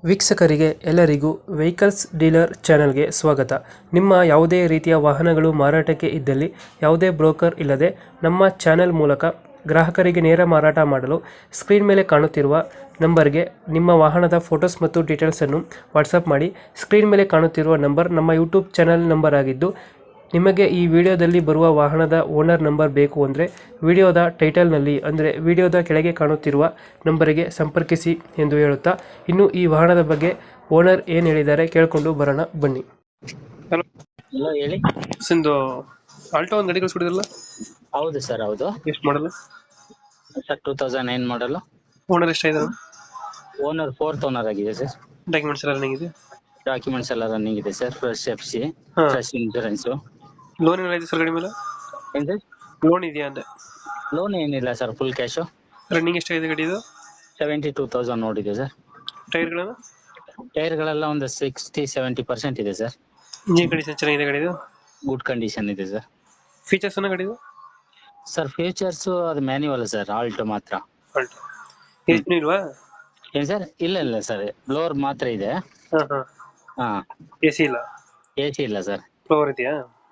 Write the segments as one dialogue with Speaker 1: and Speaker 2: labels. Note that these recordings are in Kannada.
Speaker 1: ವೀಕ್ಷಕರಿಗೆ ಎಲ್ಲರಿಗೂ ವೆಹಿಕಲ್ಸ್ ಡೀಲರ್ ಚಾನೆಲ್ಗೆ ಸ್ವಾಗತ. ನಿಮ್ಮ ಯಾವುದೇ ರೀತಿಯ ವಾಹನಗಳು ಮಾರಾಟಕ್ಕೆ ಇದ್ದಲ್ಲಿ ಯಾವುದೇ ಬ್ರೋಕರ್ ಇಲ್ಲದೆ ನಮ್ಮ ಚಾನೆಲ್ ಮೂಲಕ ಗ್ರಾಹಕರಿಗೆ ನೇರ ಮಾರಾಟ ಮಾಡಲು ಸ್ಕ್ರೀನ್ ಮೇಲೆ ಕಾಣುತ್ತಿರುವ ನಂಬರ್ಗೆ ನಿಮ್ಮ ವಾಹನದ ಫೋಟೋಸ್ ಮತ್ತು ಡೀಟೇಲ್ಸನ್ನು ವಾಟ್ಸಪ್ ಮಾಡಿ. ಸ್ಕ್ರೀನ್ ಮೇಲೆ ಕಾಣುತ್ತಿರುವ ನಂಬರ್ ನಮ್ಮ ಯೂಟ್ಯೂಬ್ ಚಾನೆಲ್ ನಂಬರ್ ಆಗಿದ್ದು, ನಿಮಗೆ ಈ ವಿಡಿಯೋದಲ್ಲಿ ಬರುವ ವಾಹನದ ಓನರ್ ನಂಬರ್ ಬೇಕು ಅಂದರೆ ವಿಡಿಯೋದ ಟೈಟಲ್ನಲ್ಲಿ ಅಂದರೆ ವಿಡಿಯೋದ ಕೆಳಗೆ ಕಾಣುತ್ತಿರುವ ನಂಬರಿಗೆ ಸಂಪರ್ಕಿಸಿ ಎಂದು ಹೇಳುತ್ತಾ, ಇನ್ನು ಈ ವಾಹನದ ಬಗ್ಗೆ ಓನರ್ ಏನು ಹೇಳಿದ್ದಾರೆ ಕೇಳಿಕೊಂಡು ಬರೋಣ ಬನ್ನಿ. ಹಲೋ,
Speaker 2: ಹಲೋ ಹೇಳಿ.
Speaker 1: ಒಂದು ಆಲ್ಟೋ ಒಂದು ಗಾಡಿ ಕಳಿಸ್ಕೊಡಿದ್ರಲ್ಲ,
Speaker 2: ಹೌದು ಸರ್, ಹೌದು
Speaker 1: ಎಷ್ಟು ಮಾಡಲ್ಲ?
Speaker 2: ಸರ್ 2009 ಮಾಡಲು.
Speaker 1: ಓನರ್ ಎಷ್ಟಾಗಿದ್ದಾರೆ?
Speaker 2: ಓನರ್ 4th ಓನರ್ ಆಗಿದೆ ಸರ್.
Speaker 1: ಡಾಕ್ಯುಮೆಂಟ್ಸ್ ಎಲ್ಲ ರನ್ನಿಂಗ್ ಇದೆ?
Speaker 2: ಡಾಕ್ಯುಮೆಂಟ್ಸ್ ಎಲ್ಲ ರನ್ನಿಂಗ್ ಇದೆ ಸರ್. ಫ್ರೆಶ್ FC,
Speaker 1: ಹಾ.
Speaker 2: Fresh insurance.
Speaker 1: ಲೋನ್ ಏನಾರ ಇದೆ ಸರ್ ಗಾಡಿ ಮೇಲೆ?
Speaker 2: ಏನ್ ಸರ್?
Speaker 1: ಲೋನ್ ಇದೆಯಾ ಅಂದೆ?
Speaker 2: ಲೋನ್ ಏನಿಲ್ಲ ಸರ್, ಫುಲ್ ಕ್ಯಾಶು.
Speaker 1: ರನ್ನಿಂಗ್ ಎಷ್ಟಾಗಿದೆ ಗಾಡಿ ಇದು?
Speaker 2: 72,000 ನೋಡಿದೆ ಸರ್.
Speaker 1: ಟೈರ್ಗಳನ್ನ?
Speaker 2: ಟೈರ್ಗಳೆಲ್ಲ ಒಂದು 60-70% ಇದೆ ಸರ್.
Speaker 1: ಇಂಜಿನ್ ಕಂಡೀಷನ್ ಚೆನ್ನಾಗಿದೆ ಗಾಡಿದು?
Speaker 2: ಗುಡ್ ಕಂಡೀಷನ್ ಇದೆ ಸರ್.
Speaker 1: ಫೀಚರ್ಸ್ ಅನ್ನ ಗಾಡಿದು?
Speaker 2: ಸರ್ ಫೀಚರ್ಸ್ ಅದು ಮ್ಯಾನ್ಯುವಲ್ ಸರ್, ಆಲ್ಟೋ ಮಾತ್ರ.
Speaker 1: ಆಲ್ಟೋ ಎಷ್ಟು ಇಲ್ವಾ?
Speaker 2: ಏನ್ ಸರ್? ಇಲ್ಲ ಸರ್, ಬ್ಲೋರ್ ಮಾತ್ರ ಇದೆ. ಹಾ,
Speaker 1: ಎಸಿ ಇಲ್ಲ?
Speaker 2: AC ಇಲ್ಲ ಸರ್.
Speaker 1: ಫ್ಲೋರ್ ಇದೆಯಾ?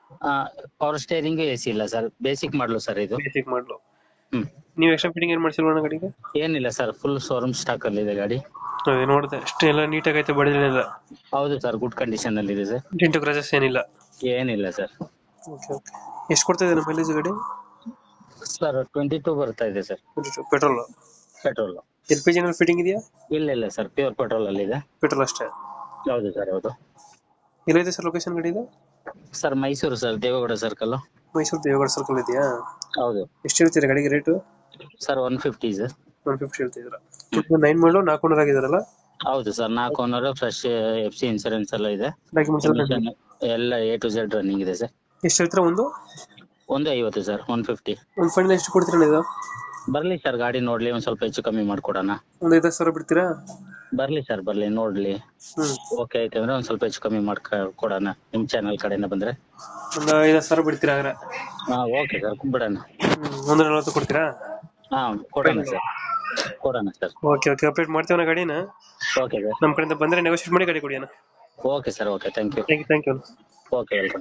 Speaker 2: ಪವರ್ ಸ್ಟೇರಿಂಗ್ AC ಇಲ್ಲ ಸರ್. ಬೇಸಿಕ್ ಮಾಡಲು ಸರ್ ಇದು.
Speaker 1: ಬೇಸಿಕ್ ಮಾಡಲು.
Speaker 2: ಹ್ಮ್.
Speaker 1: ನೀವು ಎಕ್ಸ್ಟ್ರಾ ಫಿಟ್ಟಿಂಗ್ ಏನ್ ಮಾಡಿಸಿಲ್ವಾ ಗಾಡಿಗೆ?
Speaker 2: ಏನಿಲ್ಲ ಸರ್, ಫುಲ್ ಶೋರೂಮ್ ಸ್ಟಾಕ್ ಅಲ್ಲಿ ಇದೆ ಗಾಡಿ.
Speaker 1: ಅದೇ ನೋಡಿದೆ, ಅಷ್ಟೇ ಎಲ್ಲ ನೀಟಾಗಿ ಐತೆ, ಬಡಿದಿಲ್ಲ?
Speaker 2: ಹೌದು ಸರ್, ಗುಡ್ ಕಂಡೀಷನ್ ಅಲ್ಲಿ ಇದೆ ಸರ್.
Speaker 1: ಡೆಂಟು ಕ್ರಾಚಸ್ ಏನಿಲ್ಲ?
Speaker 2: ಏನಿಲ್ಲ ಸರ್.
Speaker 1: Okay okay. ಎಷ್ಟು ಕೊಡ್ತಾ ಇದೆ ಮೈಲೇಜ್ ಗಾಡಿ?
Speaker 2: ಸರ್ 22 ಬರ್ತಾ ಇದೆ ಸರ್.
Speaker 1: ಪೆಟ್ರೋಲ್?
Speaker 2: ಪೆಟ್ರೋಲ್.
Speaker 1: LPG ಏನಾದ್ರು ಫಿಟ್ಟಿಂಗ್ ಇದೆಯಾ?
Speaker 2: ಇಲ್ಲ ಸರ್, ಪ್ಯೂರ್ ಪೆಟ್ರೋಲ್ ಅಲ್ಲಿ ಇದೆ.
Speaker 1: ಪೆಟ್ರೋಲ್ ಅಷ್ಟೇ?
Speaker 2: ಹೌದು ಸರ್, ಹೌದು.
Speaker 1: ಎಲ್ಲಿದೆ ಸರ್ ಲೊಕೇಶನ್ ಗಾಡಿ ಇದು?
Speaker 2: Sir Mysore sir, Devegowda circle.
Speaker 1: Mysore Devegowda circle ಇದೆಯಾ?
Speaker 2: ಹೌದು.
Speaker 1: ಎಷ್ಟು ಹೇಳ್ತೀರಾ ಗಾಡಿಗೆ ರೇಟು?
Speaker 2: Sir 150 sir.
Speaker 1: 150 ಹೇಳ್ತಿದ್ದೀರಾ? 9 ಮಾಡಲು 4 ಓನರ್ ಆಗಿದಾರಲ್ಲ?
Speaker 2: ಹೌದು sir, 4 owner, fresh FC insurance ಎಲ್ಲ ಇದೆ.
Speaker 1: ಡಾಕ್ಯುಮೆಂಟ್ಸ್ ಎಲ್ಲ
Speaker 2: ಎಲ್ಲ A to Z ರನ್ನಿಂಗ್ ಇದೆ ಸರ್.
Speaker 1: ಎಷ್ಟು ಹೇಳ್ತೀರಾ? ಒಂದು
Speaker 2: 150 ಸರ್, 150.
Speaker 1: ಒಂದು ಫೈನಲ್ ಎಷ್ಟು ಕೊಡ್ತೀರಾ ಇದು?
Speaker 2: ಬರ್ಲಿ ಸರ್, ಗಾಡಿ ನೋಡ್ಲಿ, ಒಂದ್ ಸ್ವಲ್ಪ ಹೆಚ್ಚು ಕಮ್ಮಿ ಮಾಡ್ಕೊಡೋಣ.
Speaker 1: ಒಂದು 5,000 ಬಿಡ್ತೀರಾ?
Speaker 2: ಬರ್ಲಿ ಸರ್, ಬರ್ಲಿ ನೋಡ್ಲಿ. ಓಕೆ ಆಯ್ತು ಅಂದ್ರೆ ಒಂದ್ ಸ್ವಲ್ಪ ಹೆಚ್ಚು ಕಮ್ಮಿ ಮಾಡ್ಕೊಡೋಣ ನಿಮ್ ಚಾನಲ್ ಕಡೆಯಿಂದ ಬಂದ್ರೆ.
Speaker 1: ಒಂದು 5,000 ಬಿಡ್ತೀರಾ ಹಾಗಾದ್ರೆ?
Speaker 2: ಹಾ, ಓಕೆ ಸರ್, ಬಿಡೋಣ.
Speaker 1: ಒಂದು 40 ಕೊಡ್ತೀರಾ?
Speaker 2: ಹಾ, ಕೊಡೋಣ ಸರ್, ಕೊಡೋಣ ಸರ್.
Speaker 1: ಓಕೆ ಓಕೆ, ಅಪ್ಡೇಟ್ ಮಾಡ್ತೀವಿ ಗಾಡಿನ.
Speaker 2: Okay sir.
Speaker 1: ನಮ್ಮ ಕಡೆಯಿಂದ ಬಂದರೆ ನೆಗೋಷಿಯೇಟ್ ಮಾಡಿ ಗಾಡಿ ಕೊಡಿ ಅಣ್ಣ.
Speaker 2: Okay sir, okay, thank you.
Speaker 1: Thank you.
Speaker 2: Okay, welcome.